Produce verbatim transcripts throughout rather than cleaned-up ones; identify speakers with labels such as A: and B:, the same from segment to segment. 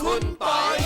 A: คุณปอย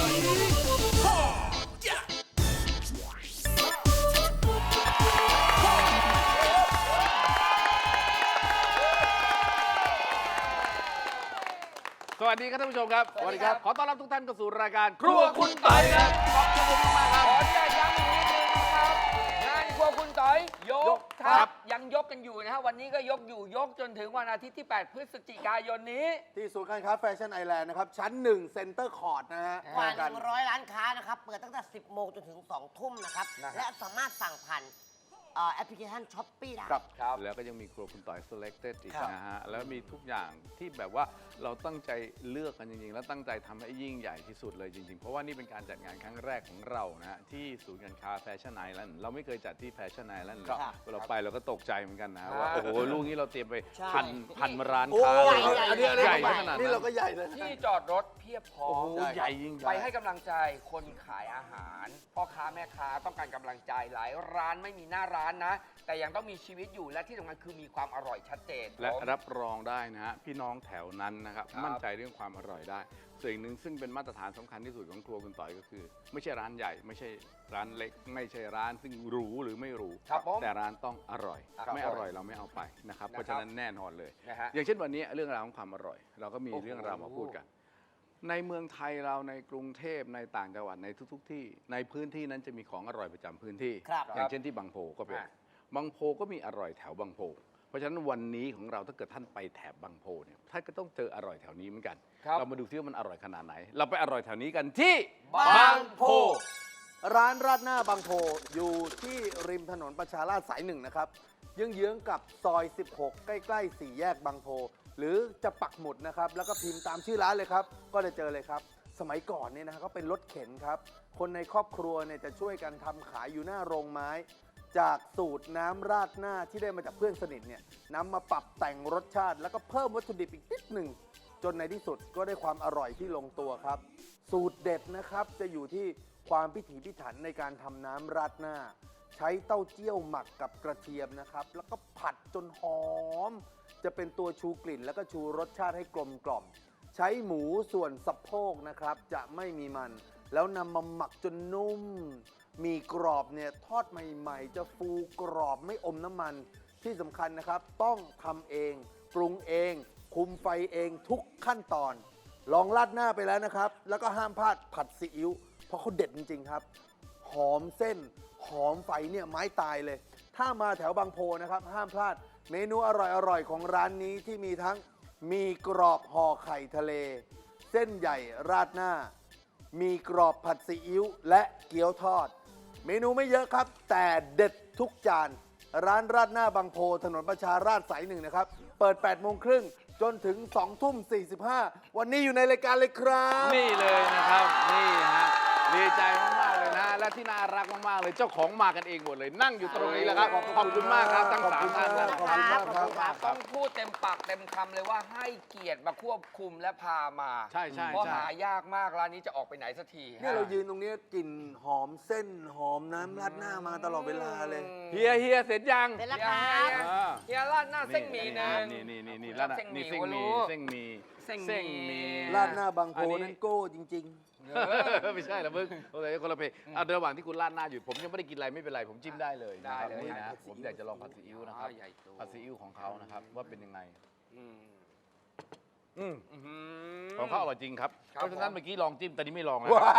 B: สวัสดีครับท่านผู้ชมครับ
A: สวัสดีครับ
B: ขอต้อนรับทุกท่านเข้าสู่รายการครัวคุณต่อยครับขอบคุณมากๆครับ
C: ขออนุญาตย้ำอีกนิดนึงนะครับงานครัวคุณต๋อยยกทัพยังยกกันอยู่นะฮะวันนี้ก็ยกอยู่ยกจนถึงวันอาทิตย์ที่ แปด พฤศจิกายนนี้
A: ที่ศูนย์การค้าแฟชั่นไอแลนด์นะครับ ชั้นหนึ่งเซ็นเตอร์คอร์ดนะฮะ
D: กว่าหนึ่งร้อยร้านค้านะครับ เปิดตั้งแต่ สิบโมงจนถึง สองทุ่มนะครับ และสามารถสั่งผ่านเอ่อแอปพลิเคชันช้อปปี้ได้
A: ครับ
C: ครับ
B: แล้วก็ยังมีครัวคุณต่อย selected อีก
A: ครับ
B: นะฮะแล้วมีทุกอย่างที่แบบว่าเราตั้งใจเลือกกันจริงๆ แล้วตั้งใจทำให้ยิ่งใหญ่ที่สุดเลยจริงๆ เพราะว่านี่เป็นการจัดงานครั้งแรกของเรานะฮะที่ศูนย์การค้าแฟชั่นไอแลนด์เราไม่เคยจัดที่แฟชั่นไอแลนด์
D: ครับ
B: เราไปเราก็ตกใจเหมือนกันนะฮะ
C: ครับ
B: ว่าโอ้โหลูกนี้เราเตรียมไป
D: ใช่
B: พันพันร้าน
A: โอ้
B: ค้าเลย
D: ใหญ่
A: อันนี้อันนี้
B: ใหญ่ขนาดนั้น
A: นี่เราก็ใหญ่เลย
C: ที่จอดรถเพียบพร้อ
B: โอ้
C: ม
B: โหใหญ่ยิ่ง
C: ไปให้กำลังใจคนขายอาหารพ่อค้าแม่ค้าต้องการกำลังใจหลายร้านไม่มีหน้าร้านนะ แต่ยังต้องมีชีวิตอยู่และที่สำคัญคือมีความอร่อยชัดเจน
B: และ
C: ผม
B: รับรองได้นะฮะพี่น้องแถวนั้นนะครับ
C: ครับ
B: มั่นใจเรื่องความอร่อยได้ส่วนอีกหนึ่งซึ่งเป็นมาตรฐานสำคัญที่สุดของครัวคุณต่อยก็คือ ไม่ใช่ร้านใหญ่ ไม่ใช่ร้านเล็ก ไม่ใช่ร้านซึ่งหรูหรือไม่หรู
C: ครับผม
B: แต่ร้านต้องอร่อย
C: ครับ
B: ไม่อร่อยเราไม่เอาไปนะครับ
C: นะครับ
B: เพราะฉะนั้นแน่นอนเลย
C: นะฮะ
B: อย่างเช่นวันนี้เรื่องราวของความอร่อย เราก็มี
C: โอ้โห
B: เรื่องราวมาพูดกัน ในเมืองไทยเราในกรุงเทพในต่างจังหวัดในทุก ๆ ที่ในพื้นที่นั้นจะมีของอร่อยประจำพื้นที่
D: ครับ
B: อย่างเช่นที่บางโพก็เป็น
C: อ่ะ
B: บางโพก็มีอร่อยแถวบางโพ เพราะฉะนั้นวันนี้ของเราถ้าเกิดท่านไปแถบบางโพเนี่ยท่านก็ต้องเจออร่อยแถวนี้เหมือนกัน
C: ครับ
B: เรามาดูที่ว่ามันอร่อยขนาดไหน เราไปอร่อยแถวนี้กันที่
C: บางโพ
A: ร้านราดหน้าบางโพอยู่ที่ริมถนนประชาราษฎร์สายหนึ่งนะครับเยื้องๆกับซอย สิบหก ใกล้ๆสี่แยกบางโพ หรือจะปักหมุดนะครับ แล้วก็พิมพ์ตามชื่อร้านเลยครับ ก็จะเจอเลยครับ สมัยก่อนเนี่ยนะฮะก็เป็นรถเข็นครับ คนในครอบครัวเนี่ยจะช่วยกันทำขายอยู่หน้าโรงไม้ จากสูตรน้ำราดหน้าที่ได้มาจากเพื่อนสนิทเนี่ยนำมาปรับแต่งรสชาติ แล้วก็เพิ่มวัตถุดิบอีกนิดหนึ่ง จนในที่สุดก็ได้ความอร่อยที่ลงตัวครับ สูตรเด็ดนะครับจะอยู่ที่ความพิถีพิถันในการทำน้ำราดหน้า ใช้เต้าเจี้ยวหมักกับกระเทียมนะครับ แล้วก็ผัดจนหอม จะเป็นตัวชูกลิ่น แล้วก็ชูรสชาติให้กลมกล่อม ใช้หมูส่วนสะโพกนะครับ จะไม่มีมัน แล้วนำมาหมักจนนุ่ม มีกรอบเนี่ยทอดใหม่ๆ จะฟูกรอบไม่อมน้ำมัน ที่สำคัญนะครับ ต้องทำเอง ปรุงเอง คุมไฟเองทุกขั้นตอน ลองราดหน้าไปแล้วนะครับ แล้วก็ห้ามพลาดผัดซีอิ๊ว เพราะเขาเด็ดจริงๆครับ หอมเส้น หอมไฟเนี่ยไม้ตายเลย ถ้ามาแถวบางโพนะครับ ห้ามพลาด เมนูอร่อยๆ ของร้านนี้ที่มีทั้งมีกรอบห่อไข่ทะเล เส้นใหญ่ราดหน้า มีกรอบผัดซีอิ๊วและเกี๊ยวทอด เมนูไม่เยอะครับ แต่เด็ดทุกจาน ร้านราดหน้าบางโพถนนประชาราษฎร์สายหนึ่งนะครับ เปิด แปดโมงครึ่งจนถึง สองทุ่มสี่สิบห้า วันนี้อยู่ในรายการเลยครับ
B: นี่เลยนะครับนี่ฮะดีใจมากๆเลยนะและที่น่ารักมากๆเลยเจ้าของมากันเองหมดเลยนั่งอยู่ตรงนี้แล้วครับขอบคุณมากครับทั้งสามท่านนะ
A: ขอบคุณมากครับ
C: ต้องพูดเต็มปากเต็มคำเลยว่าให้เกียรติมาควบคุมและพามา
B: ใช่ใช่
C: เพราะ
B: ใช่
C: หายากมากร้านนี้จะออกไปไหนสักที
A: เนี่ยเรายืนตรงนี้กลิ่นหอมเส้นหอมน้ำราดหน้ามาตลอดเวลาเลย
B: เฮียเฮียเสร็จยัง
D: เสร็จแล้ว
C: เฮี
D: ค
C: ย
D: รับ
B: อ่า
C: เฮียราดหน้าเส้นหมี่หนึ่ง
B: นี่นี่นี่นี่ร้าน
C: เส้นหมี่
B: นี่เส้นห
C: ก็รู้
B: มี่เส้นหมี่
C: เส้นหมี่
B: หมี่
A: ราดหน้าบางโพ
B: อันนี้
A: นั่นโก้จริง
B: ไม่ใช่ละมึงโอเคคนละเพลงอ่ะระหว่างที่คุณราดหน้าอยู่ผมยังไม่ได้กินอะไรไม่เป็นไรผมจิ้มได้เลย
C: ได้เลย
B: นี่
C: ครั
B: นะ
C: บ
B: ผมอยากจะลองผัดซีอิ๊วนะครับ
C: ใหญ่โต
B: ผัดซีอิ๊วของเขานะครับว่าเป็นยังไง
C: อืม
B: อืม
C: อื้อหือ
B: ของเขาอร่อยจริงครับ
C: ครับ
B: เพราะฉะนั้น
C: ผม
B: เมื่อกี้ลองจิ้มแต่นี้ไม่ลองแล้ว
A: ๆ ว้าย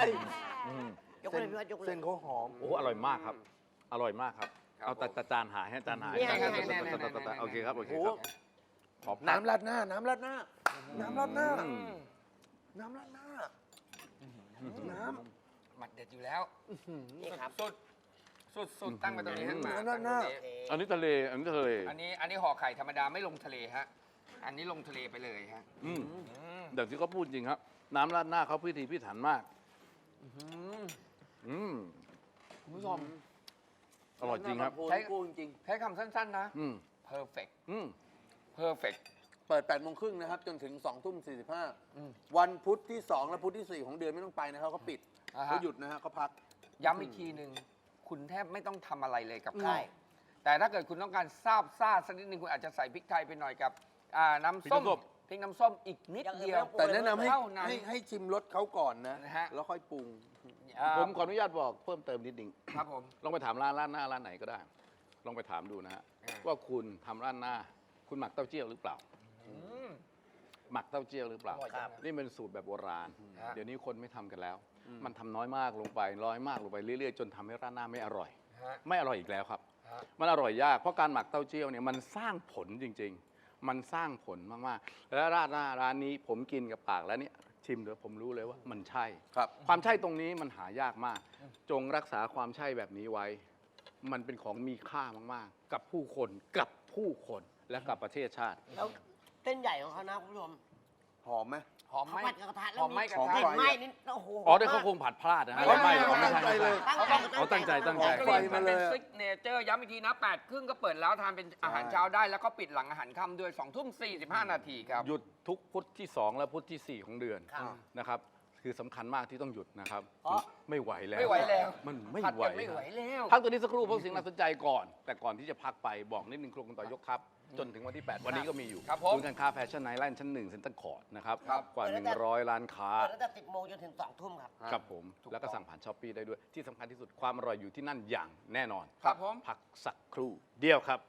B: อืม
D: ยกเลยพี่วัดยกเลย
A: เส้นเขาหอม
B: โอ้โหอร่อยมากครับ อร่อยมากครับ
C: ครับ
B: เอาแต่
C: ผม
B: แต่จานหายให้จานหาย
D: นี่ไง
B: จาน
D: นี่ไง
B: หาย
C: นี่ไงนี่ไง
B: โอเคครับโอเค
A: โอ้
B: ค
A: โห
B: รับขอบ
A: น้ำราดหน้า น้ำราดหน้า น้ำราดหน้า
B: อืม
A: น้ำราดหน้า น้
C: หมัดเด็ดอยู่แล้ว
D: นี่ครับ
C: สุดสุดสุดตั้งไปตรงนี้ให้มา
A: น้ำราดหน้า
B: อันนี้ทะเลอันนี้ทะเล
C: อันนี้อันนี้ห่อไข่ธรรมดาไม่ลงทะเลฮะ อันนี้ลงทะเลไปเลยฮะ
B: อืม
C: อืม
B: อย่างที่เขาพูดจริงครับ น้ำราดหน้าเขาพิถีพิถันมาก อืม
C: คุณผู้ชม
B: อร่อยจริงครับ
A: น้ำราดหน้าบางโพนั่นโก้จริง
C: ใช้คำสั้นๆนะ
B: อืม
C: perfect
B: อืม
C: perfect
A: ๆ เปิด แปดโมงครึ่งนะครับ จนถึง สองทุ่มสี่สิบห้า
C: อืม
A: วันพุธที่ สอง และพุธที่ สี่ ของเดือนไม่ต้องไปนะครับเขาปิด
C: อ่าฮะ
A: เขาหยุดนะฮะเขาพัก
C: ย้ำอีกทีหนึ่งคุณแทบไม่ต้องทำอะไรเลยกับ
D: ใช่
C: ข้าวแต่ถ้าเกิดคุณต้องการซาบซ่าสักนิดนึงคุณอาจจะใส่พริกไทยไปหน่อยกับอ่าน้ำส้ม
B: พริกน้ำส้ม
C: พพริกน้ำส้มอีกนิดเดียว
A: แต่แนะนำให้
C: เท่านั้น
A: ให้ให้ชิมรสเขาก่อนนะ
C: นะฮะ
A: แล้วค่อยปรุง
C: อ่า
B: ผมขออนุญาตบอกเพิ่มเติมนิดนึง
C: ครับผม
B: ลองไปถามร้านร้านหน้าร้านไหนก็ได้ ลองไปถามดูนะฮะ
C: อ่า
B: ว่าคุณทำร้านหน้า คุณหมักเต้าเจี้ยวหรือเปล่า
C: อืม
B: หมักเต้าเจี้ยวหรือเปล่า
C: อร่อยจังนะ
B: นี่เป็นสูตรแบบโบราณ
C: ฮะ
B: เดี๋ยวนี้คนไม่ทำกันแล้ว มันทำน้อยมากลงไปน้อยมากลงไปเรื่อยๆ จนทำให้ร้านหน้าไม่อร่อย
C: ฮะ
B: ไม่อร่อยอีกแล้วครับ
C: ฮะ
B: มันอร่อยยากเพราะการหมักเต้าเจี้ยวเนี่ยมันสร้างผลจริง ๆ มันสร้างผลมากๆ แล้วร้านหน้าร้านนี้ผมกินกับปากแล้วเนี่ยชิมเดี๋ยวผมรู้เลยว่ามันใช่
A: ครับ
B: ความใช่ตรงนี้มันหายากมาก จงรักษาความใช่แบบนี้ไว้ มันเป็นของมีค่ามากๆ กับผู้คนกับผู้คนและกับประเทศชาติ
D: แล้วเส้นใหญ่ของเขานะคุณผู้ชม
A: หอมไหม
C: หอมไหม
D: เขาผัดกับกระทะแล้
C: ห
D: ว
C: อมไหมกระ
A: หอม
C: ทะ
D: กลิ่นไหม้นี่โอ้โห
B: อ๋อได้เขาคงผัดพลาดนะฮะ
C: ไม่
B: ไม่
C: ไม่
B: ไม่
A: ไม่
B: ไม่
A: ไม่
B: ใช่ไม่
A: ไม่
B: ใช่
A: เลย
B: เอาตั้งใจตั้งใจ
C: ก
A: ไฟ
C: ลิ่น
A: มา
C: มัน
A: เล
C: เป็น
A: ย
C: ซิกเนเจอร์ย้ำอีกทีนะแปดครึ่งก็เปิดแล้วทานเป็นอาหารเช้าได้ แล้วก็ปิดหลังอาหารค่ำด้วยสองทุ่มสี่สิบห้านาทีครับ
B: หยุดทุกพุธที่สองและพุธที่สี่ของเดือน
D: ครับ
B: นะครับ คือสำคัญมากที่ต้องหยุดนะครับ
D: เพราะ
B: ไม่ไหวแล้ว
C: ไม่ไหวแล้ว
B: มันไม่
C: ผัด
B: ไหว
C: กันไม่ไหวแล้ว
B: พักตัวนี้สักครู่เพราะสิ่งน่าสนใจก่อน แต่ก่อนที่จะพักไปบอกนิดนึงครัวคุณต่อยกทัพจนถึงวันที่ แปด วันนี้ก็มีอยู่
C: ครับผม
B: ศูนย์การค้าแฟชั่นไนท์แลนด์ชั้นหนึ่งเซ็นเตอร์คอร์ดนะครับ
C: ครับ
B: กว่า 100 ล้านค้า
D: เปิดตั้งแต่สิบโมงจนถึงสองทุ่มครับ
B: ครับผม
C: ถูกต้อง
B: แล้วก็สั่งผ่านช้อปปีได้ด้วย ที่สำคัญที่สุดความอร่อยอยู่ที่นั่นอย่างแน่นอน
C: ครับผม
B: พักสักครู่เดียวครับ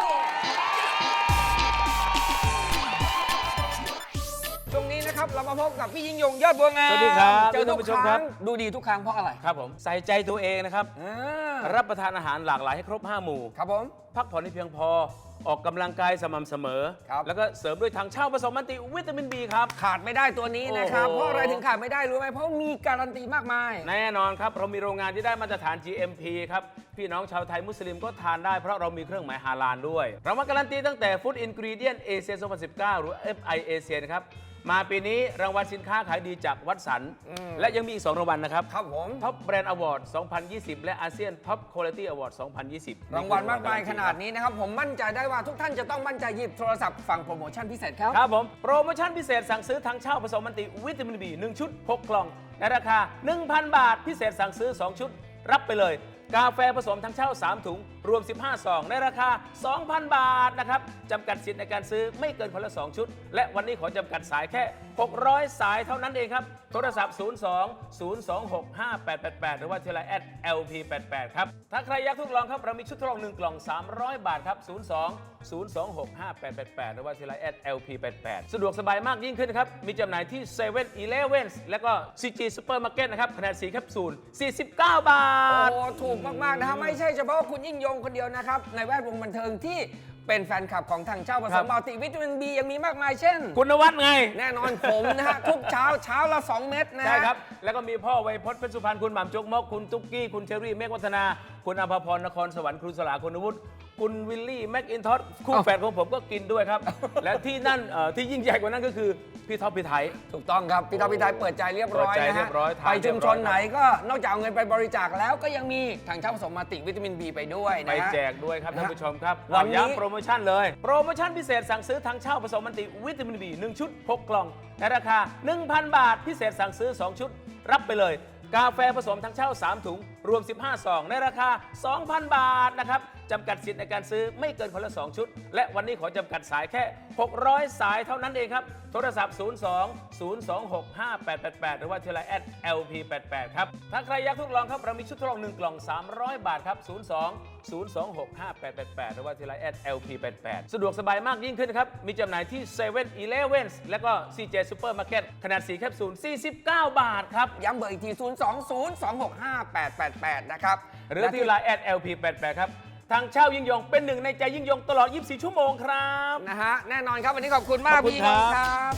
C: ช่วงนี้นะครับเรามาพบกับพี่ยิ่งยงยอดบัวงาม
E: สวัสดีครับ
C: เจอทุก
E: ท่านผู้ช
C: ค
E: มครั
C: รั้
E: บ
C: งดูดีทุกครั้งเพราะอะไร
E: ครับผมใส่ใจตัวเองนะครับ
C: อ่า
E: รับประทานอาหารหลากหลายให้ครบ ห้า หมู่
C: ครับผม
E: พักผ่อนให้เพียงพอ ออกกำลังกายสม่ำเสมอ
C: ครับ
E: แล้วก็เสริมด้วยทางเช่าผสมมันติวิตามิน บี ครับ
C: ขาดไม่ได้ตัวนี้นะครับ
E: โอ้โห
C: เพราะอะไรถึงขาดไม่ได้รู้ไหมเพราะมีการันตีมากมาย
E: แน่นอนครับ เรามีโรงงานที่ได้มาตรฐาน จี เอ็ม พี ครับ พี่น้องชาวไทยมุสลิมก็ทานได้เพราะเรามีเครื่องหมายฮาลาลด้วย เรามาการันตีตั้งแต่ Food Ingredient Asia สองพันสิบเก้า หรือ เอฟ ไอ Asia นะครับ มาปีนี้รางวัลสินค้าขายดีจากวัดสัน
C: อืม
E: และยังมีอีก สอง รางวัลนะครับ
C: ครับผม
E: ท็อปแบรนด์อวอร์ด สองพันยี่สิบ และอาเซียนท็อปคุณภาพอวอร์ด สองพันยี่สิบ
C: รางวัลมากมายขนาดนี้นะครับ ผมมั่นใจได้ว่าทุกท่านจะต้องมั่นใจหยิบโทรศัพท์ฟังโปรโมชั่นพิเศษครับ
E: ครับผม โปรโมชั่นพิเศษสั่งซื้อทั้งเช่าผสมมันติวิตามิน บี หนึ่ง ชุด หก กล่อง ในราคา หนึ่งพัน บาท พิเศษสั่งซื้อ สอง ชุด รับไปเลย กาแฟผสมทั้งเช่า สาม ถุง รวม สิบห้า ซอง ในราคา สองพัน บาทนะครับจำกัดสิทธิ์ในการซื้อไม่เกินคนละ สอง ชุด และวันนี้ขอจำกัดสายแค่ หกร้อย สายเท่านั้นเองครับ โทรศัพท์ ศูนย์ สอง ศูนย์ สอง หก ห้า แปด แปด แปด หรือว่าที่ไลน์ แอท แอล พี แปด แปด ครับ ถ้าใครอยากทดลองครับ เรามีชุดทดลอง หนึ่ง กล่อง สามร้อย บาทครับ ศูนย์ สอง ศูนย์ สอง หก ห้า แปด แปด แปด หรือว่าที่ไลน์ แอท แอล พี แปด แปด สะดวกสบายมากยิ่งขึ้นครับ มีจำหน่ายที่ เซเว่น อีเลฟเว่น และก็ ซี จี Supermarket นะครับขนาด สี่ แคปซูล สี่สิบเก้า บาท
C: โอ้ ถูกมาก ๆ นะครับ ไม่ใช่เฉพาะคุณยิ่งยงคนเดียวนะครับ ในแวดวงบันเทิงที่เป็นแฟนคลับของทางเจ้าผ
E: ค
C: ส
E: รั
C: ม
E: บ
C: มัลติวิตามินบียังมีมากมายเช่น
E: คุณนวัดไง
C: แน่นอนผมนะฮะ ทุกเช้าเช้าละ สอง เม็ดนะฮะ
E: ใช่ครับ แล้วก็มีพ่อไวยพจน์เพชรสุพรรณคุณหม่ำจกมก คุณตุ๊กกี้ คุณเชอรี่ เมฆวัฒนา คุณอภพร นครสวรรค์ ครูสลาคุณวุฒิคุณวิลลี่ แม็กอินทอสคู่แฝดของผมก็กินด้วยครับ และที่นั่นเอ่อที่ยิ่งใหญ่กว่านั้นก็คือ พี่ท็อปพี่ไทย
C: ถูกต้องครับ พี่ท็อปพี่ไทยเปิดใจเรียบร้อย
E: เปิดใจ
C: นะ
E: เรี
C: ฮะ
E: ยบร้อยทาน
C: ไปชุมชน
E: เรียบร้อย
C: ไหนก็นอกจากเอาเงินไปบริจาคแล้วก็ยังมีทางเจ้าผสมมัลติวิตามินบีไปด้วย
E: ไป
C: นะฮะ
E: แจกด้วยครับท่านผู้ชมครับ
C: วันนี้
E: ย้ำโปรโมชั่นเลย โปรโมชั่นพิเศษสั่งซื้อทั้งเช่าผสมมันติวิตามิน บี หนึ่ง ชุด หก กล่อง ในราคา หนึ่งพัน บาท พิเศษสั่งซื้อ สอง ชุด รับไปเลย กาแฟผสมทั้งเช่า สาม ถุง รวม สิบห้า ซอง ในราคา สองพัน บาทนะครับจำกัดสิทธิ์ในการซื้อไม่เกินคนละ สอง ชุด และวันนี้ขอจำกัดสายแค่ หกร้อย สายเท่านั้นเองครับ โทรศัพท์ ศูนย์ สอง ศูนย์ สอง หก ห้า แปด แปด แปด หรือว่าที่ไลน์ แอท แอล พี แปด แปด ครับ ถ้าใครอยากทดลองครับ เรามีชุดทดลอง หนึ่ง กล่อง สามร้อย บาทครับ ศูนย์ สอง ศูนย์ สอง หก ห้า แปด แปด แปด หรือว่าที่ไลน์ แอท แอล พี แปด แปด สะดวกสบายมากยิ่งขึ้นครับ มีจำหน่ายที่ เซเว่น อีเลฟเว่น และก็ ซี เจ Supermarket ขนาด สี่ แคปซูล สี่สิบเก้า บาทครับ
C: ย้ำเบอร์อีกที ศูนย์ สอง ศูนย์ สอง หก ห้า แปด แปด แปด นะครับ
E: หรือที่ไลน์ แอท แอล พี แปด แปด ครับ ทางเช่ายิ่งยงเป็นหนึ่งในใจยิ่งยงตลอด ยี่สิบสี่ ชั่วโมงครับ
C: นะฮะ แน่นอนครับ วันนี้ขอบคุณมาก
E: ขอบคุณ
C: พี่ยิ่งยง
E: ค
C: ค
E: รั
C: รับ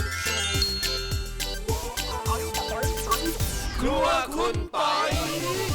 C: บ
B: ครัวคุณปอย